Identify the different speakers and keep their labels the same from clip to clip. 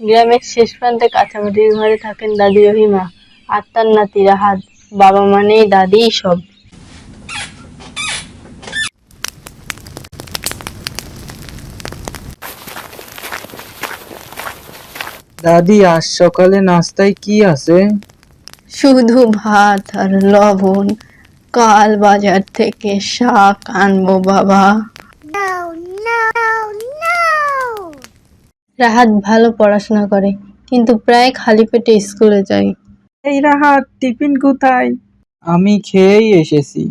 Speaker 1: গ্রামের শেষ প্রান্তে কাঁচামাটির ঘরে থাকেন দাদি রহিমা আর তার নাতি রাহাত। বাবা মানেই দাদিই সব।
Speaker 2: দাদি, আজ সকালে নাস্তায় কি আছে?
Speaker 1: শুধু ভাত আর লবণ। কাল বাজার থেকে শাক আনবো বাবা। রাহাত ভালো পড়াশোনা করে, কিন্তু প্রায় খালি পেটে স্কুলে যায়।
Speaker 2: এই রাহাত, টিফিন কোথায়? আমি খেয়েই এসেছি।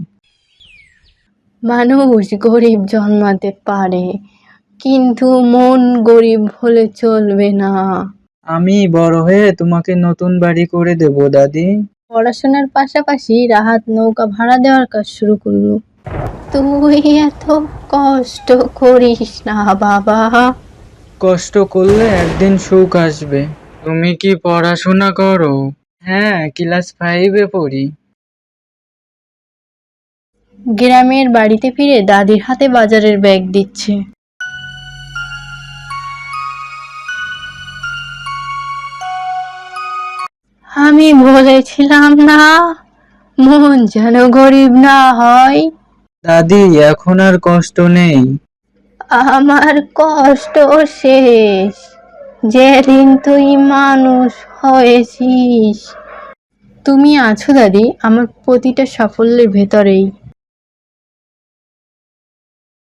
Speaker 1: মানুষ গরিব জন্মাতে পারে, কিন্তু মন গরিব হলে চলবে না।
Speaker 2: আমি বড় হয়ে তোমাকে নতুন বাড়ি করে দেব দাদি।
Speaker 1: পড়াশোনার পাশাপাশি রাহাত নৌকা ভাড়া দেওয়ার কাজ শুরু করলো। তুই এত কষ্ট করিস না বাবা।
Speaker 2: কষ্ট করলে একদিন সুখ আসবে। তুমি কি পড়াশোনা করো? হ্যাঁ, ক্লাস 5-এ পড়ি।
Speaker 1: গ্রামের বাড়িতে ফিরে দাদির হাতে বাজারের ব্যাগ দিচ্ছে। আমি বলেছিলাম না, মন যেন গরিব না হয়।
Speaker 2: দাদি, এখন আর কষ্ট নেই।
Speaker 1: আমার কষ্ট শেষ যেদিন তুই মানুষ হয়েছিস। তুমি আছো দাদি আমার প্রতিটা সাফল্যের ভেতরেই।